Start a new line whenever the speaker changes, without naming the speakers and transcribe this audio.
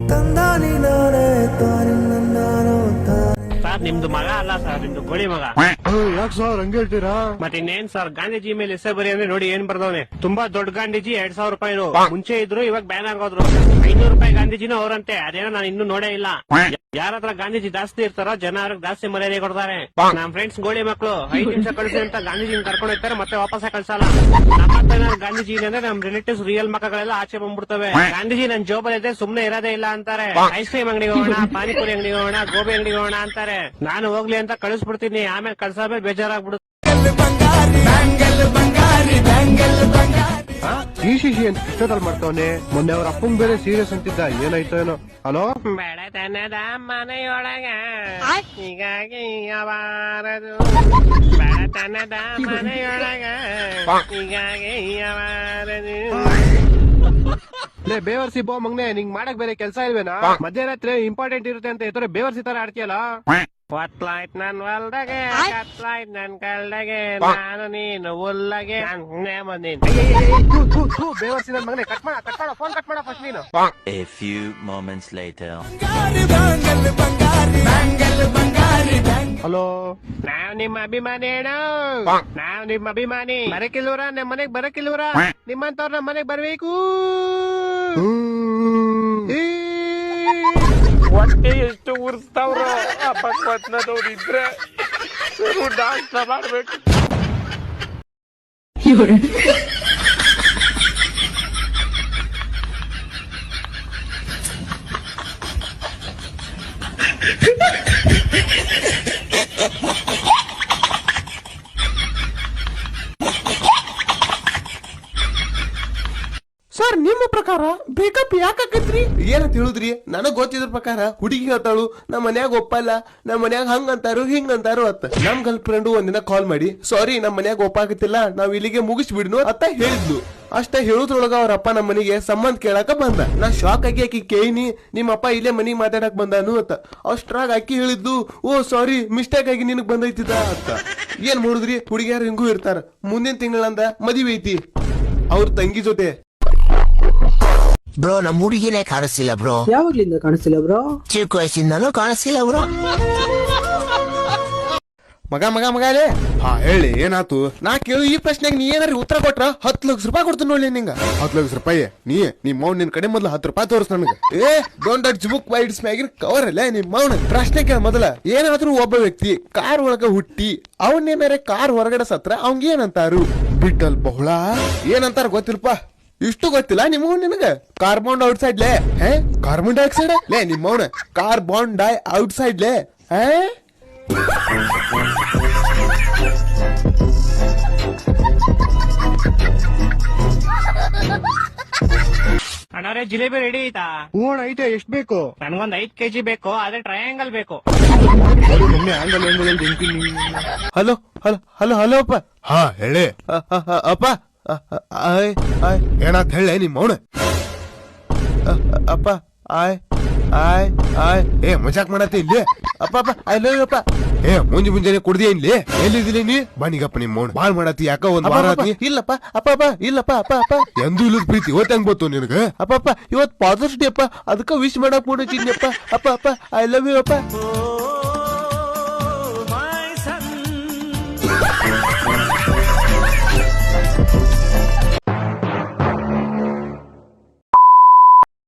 Sir ನಿಮ್ದು ಮಗ ಅಲ್ಲ ಸರ್, ನಿಮ್ದು ಗೋಳಿ ಮಗ.
ಯಾಕೆ ಸರ್ ಹಂಗ ಹೇಳ್ತೀರಾ?
ಮತ್ತೆ ಇನ್ನೇನ್ ಸರ್, ಗಾಂಧೀಜಿ ಮೇಲೆ ಎಸೆ ಬರಿ ಅಂದ್ರೆ ನೋಡಿ ಏನ್ ಬರ್ದವನೆ. ತುಂಬಾ ದೊಡ್ಡ ಗಾಂಧೀಜಿ 2,000 ರೂಪಾಯಿನು ಮುಂಚೆ ಇದ್ರು, ಇವಾಗ ಬ್ಯಾನ್ ಆಗೋದ್ರು. 500 ರೂಪಾಯಿ ಗಾಂಧೀಜಿನೂ ಅವರಂತೆ, ಅದೇನೋ ನಾನು ಇನ್ನೂ ನೋಡೇ ಇಲ್ಲ. ಯಾರ ಹತ್ರ ಗಾಂಧೀಜಿ ಜಾಸ್ತಿ ಇರ್ತಾರೋ ಜನ ಅವ್ರಿಗೆ ಜಾಸ್ತಿ ಮರ್ಯಾದೆ ಕೊಡ್ತಾರೆ. ನಮ್ ಫ್ರೆಂಡ್ಸ್ ಗೋಳಿ ಮಕ್ಕಳು 5 ನಿಮಿಷ ಕಳಿಸಿ ಅಂತ ಗಾಂಧೀಜಿನ ಕರ್ಕೊಂಡು ಹೋಗ್ತಾರೆ, ಮತ್ತೆ ವಾಪಸ್ ಕಳ್ಸಲ್ಲ. ನಮ್ಮ ಗಾಂಧೀಜಿ ಅಂದ್ರೆ ನಮ್ ರಿಲೇಟಿವ್ಸ್ ರಿಯಲ್ ಮಕ್ಕಳೆಲ್ಲ ಆಚೆ ಬಂದ್ಬಿಡ್ತವೆ. ಗಾಂಧೀಜಿ ನನ್ ಜೋಬಲ್ ಇದೆ ಸುಮ್ನೆ ಇರೋದೇ ಇಲ್ಲ ಅಂತಾರೆ. ಐಸ್ ಕ್ರೀಮ್ ಅಂಗಡಿಗೆ ಹೋಗೋಣ, ಪಾನಿಪುರಿ ಅಂಗಡಿಗೆ ಹೋಗೋಣ, ಗೋಬಿ ಅಂಗಡಿಗೆ ಹೋಗೋಣ ಅಂತಾರೆ. ನಾನು ಹೋಗ್ಲಿ ಅಂತ ಕಳಿಸ್ಬಿಡ್ತೀನಿ, ಆಮೇಲೆ ಕಳ್ಸಾದ್ಮೇಲೆ ಬೇಜಾರಾಗ್ಬಿಡುತ್ತೆ.
ಈ ಶಿಶಿ ಅಂತ ಇಷ್ಟದಲ್ಲಿ ಮಾಡ್ತಾವನೆ. ಮೊನ್ನೆ ಅವ್ರ ಅಪ್ಪಂಗ್ ಬೇರೆ ಸೀರಿಯಸ್ ಅಂತಿದ್ದ, ಏನಾಯ್ತೋ ಏನೋ. ಹಲೋ,
ಬಡತನದ ಮನೆಯೊಳಗ ಹೀಗಾಗಿ ಅವಾರದು, ಬಡತನದ ಮನೆಯೊಳಗ ಹೀಗಾಗಿ ಅವಾರದು.
ಲೇ ಬೇವರ್ಸಿ ಬೋ ಮಗ್ನೆ, ನಿಂಗ್ ಮಾಡಕ್ ಬೇರೆ ಕೆಲ್ಸ ಇಲ್ವೇನಾ? ಮಧ್ಯರಾತ್ರಿ ಇಂಪಾರ್ಟೆಂಟ್ ಇರುತ್ತೆ ಅಂತ ಈ ಬೇವರ್ಸಿ ತರ ಆಡ್ತೀಯಲ್ಲ.
ಹೊತ್ಲಾಯ್ತ್ ನನ್ ಹೊಲ್ದಾಗೆ, ಕತ್ಲಾಯ್ತ್ ನನ್ ಕಲ್ದಾಗೆ, ನಾನು ನೀನು ಉಲ್ಲಗೆ
ಬೇವರ್ಸಿ ನನ್ ಮಗನೆ. ಕಟ್ ಮಾಡ ಫೋನ್ ಕಟ್ ಮಾಡ ಫಸ್ಟ್ ನೀನು.
A few moments later.
Hello,
ನಾವ್ ನಿಮ್ಮ ಅಭಿಮಾನಿ ಹೇಳು, ನಾವ್ ನಿಮ್ಮ ಅಭಿಮಾನಿ. ಬರಕಿಲ್ವರ ನಮ್ ಮನೆಗ್ ಬರಕಿಲ್ವರ, ನಿಮ್ಮಂತವ್ರ ನಮ್ ಮನೆಗ್ ಬರ್ಬೇಕು. ಹೊಟ್ಟೆ ಎಷ್ಟು ಉರ್ಸ್ತಾವ್ರ ಅಪಕ್ವತ್ನದವ್ರು ಇದ್ರೆ ಡಾನ್ಸ್ ಮಾಡ್ಬೇಕು.
ಸರ್ ನಿಮ್ಮ ಪ್ರಕಾರ ಬ್ರೇಕಪ್ ಯಾಕಾಕತ್ರಿ? ಏನಂತ ಹೇಳುದ್ರಿ? ನನಗ್ ಗೊತ್ತಿದ್ರ ಪ್ರಕಾರ ಹುಡುಗಿ ಹೇಳ್ತಾಳು, ನಮ್ಮ ಮನ್ಯಾಗ ಒಪ್ಪಲ್ಲ, ನಮ್ಮ ಮನ್ಯಾಗ ಹಂಗಂತಾರು ಹಿಂಗಂತಾರು ಅತ್ತ. ನಮ್ ಗರ್ಲ್ ಫ್ರೆಂಡ್ ಒಂದಿನ ಕಾಲ್ ಮಾಡಿ, ಸಾರಿ ನಮ್ ಮನ್ಯಾಗ ಒಪ್ಪಾಗತ್ತಿಲ್ಲ, ನಾವ್ ಇಲ್ಲಿಗೆ ಮುಗಿಸ್ಬಿಡ್ನು ಅಂತ ಹೇಳಿದ್ಲು. ಅಷ್ಟ ಹೇಳುದ್ರೊಳಗ ಅವ್ರ ಅಪ್ಪ ನಮ್ಮ ಮನೆಗೆ ಸಂಬಂಧ ಕೇಳಾಕ ಬಂದ. ನಾ ಶಾಕ್ ಆಗಿ ಆಕಿ ಕೇಳಿನಿ, ನಿಮ್ಮ ಅಪ್ಪ ಇಲ್ಲೇ ಮನಿಗ್ ಮಾತಾಡಕ್ ಬಂದಾನು ಅಂತ. ಅಷ್ಟ್ರಾಗ ಆಕಿ ಹೇಳಿದ್ಲು, ಓ ಸಾರಿ ಮಿಸ್ಟೇಕ್ ಆಗಿ ನಿನಗ್ ಬಂದೈತಿದ ಅಂತ. ಏನ್ ಮಾಡುದ್ರಿ, ಹುಡುಗಿಯಾರು ಹಿಂಗೂ ಇರ್ತಾರ. ಮುಂದಿನ ತಿಂಗಳಂದ ಮದುವೆ ಐತಿ ಅವ್ರ ತಂಗಿ ಜೊತೆ.
ಬ್ರೋ ನಮ್ ಹುಡುಗಿನೇ ಕಾಣಿಸ್ತಿಲ್ಲ ಬ್ರೋ.
ಯಾವಾಗ್ಲಿಂದ ಕಾಣಿಸ್ತಿಲ್ಲ ಬ್ರೋ?
ಚಿಕ್ಕ ವಯಸ್ಸಿಂದನೂ ಕಾಣಿಸ್ತಿಲ್ಲ ಬ್ರೋ.
ಮಗ ಮಗ ಮಗಲೇ, ಹಾ ಹೇಳಿ ಏನಾತು? ನಾ ಕೇಳು ಈ ಪ್ರಶ್ನೆಗೆ ನೀ ಏನಾರ ಉತ್ತರ ಕೊಟ್ರ 10 ಲಕ್ಷ ರೂಪಾಯಿ ಕೊಡ್ತೀನಿ ನೋಡಿ ನಿಂಗ. 10 ಲಕ್ಷ ರೂಪಾಯಿ? ನಿಮ್ ಮೌನ್ ನಿನ್ ಕಡೆ ಮೊದ್ಲು 10 ರೂಪಾಯಿ ತೋರಿಸ್ ನನಗೆ. Don't touch book by its ಮ್ಯಾಗಿನ ಕವರ್ ಅಲ್ಲ ನಿಮ್ ಮೌನ. ಪ್ರಶ್ನೆ ಕೇಳ ಮೊದಲ, ಏನಾದ್ರೂ ಒಬ್ಬ ವ್ಯಕ್ತಿ ಕಾರ್ ಒಳಗ ಹುಟ್ಟಿ ಅವನ್ನೇನಾರ ಕಾರ್ ಹೊರಗಡೆ ಸತ್ರ ಅವಂಗ ಏನಂತಾರು? ಬಿಟ್ಟಲ್ ಬಹುಳ ಏನಂತಾರ ಗೊತ್ತಿಲ್ಪ? ಇಷ್ಟು ಗೊತ್ತಿಲ್ಲ ನಿಮಗೂ ನಿನಗ? ಕಾರ್ಬನ್ ಔಟ್ಸೈಡ್ ಲೇ. ಕಾರ್ಬನ್ ಡೈಆಕ್ಸೈಡ್ ಲೇ ನಿಮ್ ಮೌನ. ಕಾರ್ಬನ್ ಡೈ ಔಟ್ಸೈಡ್ ಲೇ.
ಅಣ್ಣವ್ರೆ ಜಿಲೇಬಿ ರೆಡಿ ಐತಾ?
ಹೂಣ ಐತೆ. ಎಷ್ಟ್ ಬೇಕು?
ನನ್ಗೊಂದ್ 5 kg ಬೇಕು, ಆದ್ರೆ ಟ್ರಯಾಂಗಲ್ ಬೇಕು.
ಹಲೋ ಹಲೋ ಹಲೋ ಹಲೋ ಅಪ್ಪ. ಹಾ ಹೇಳಿ ಅಪ್ಪ. ಏನಾತ್ ಹೇಳ ನಿಮ್ ಮೌನ? ಅಪ್ಪ ಆಯ್ ಆಯ್ ಆಯ್. ಮಜಾಕ್ ಮಾಡತ್ತೆ ಇಲ್ಲಿ ಅಪ್ಪ. ಅಪ್ಪ ಐ ಲವ್ ಯು ಅಪ್ಪ. ಮುಂಜಾನೆ ಕುಡ್ದಿ ಇಲ್ಲಿ ಎಲ್ಲಿದ್ದೀನಿ ನೀ? ಬನ್ನಿಗಪ್ಪ ನಿಮ್ ಮೌನ ಬಾಳ್ ಮಾಡತ್ತಿ ಯಾಕ ಒಂದ್ ವಾರ ಆತಿ. ಇಲ್ಲಪ್ಪ ಅಪ್ಪ ಅಪ್ಪ ಇಲ್ಲಪ್ಪ ಅಪ್ಪ ಅಪ್ಪ. ಎಂದೂ ಇಲ್ಲದ ಪ್ರೀತಿ ಇವತ್ತು ಹೆಂಗ್ ಬಂತು ನಿನಗ? ಅಪ್ಪ ಅಪ್ಪ ಇವತ್ ಫಾದರ್ಸ್ ಡೇ ಅಪ್ಪ, ಅದಕ್ಕ ವಿಶ್ ಮಾಡಕ್ ಮೂಡಿದ್ದೀನಿ ಅಪ್ಪ. ಅಪ್ಪ ಅಪ್ಪ ಐ ಲವ್ ಯು ಅಪ್ಪ.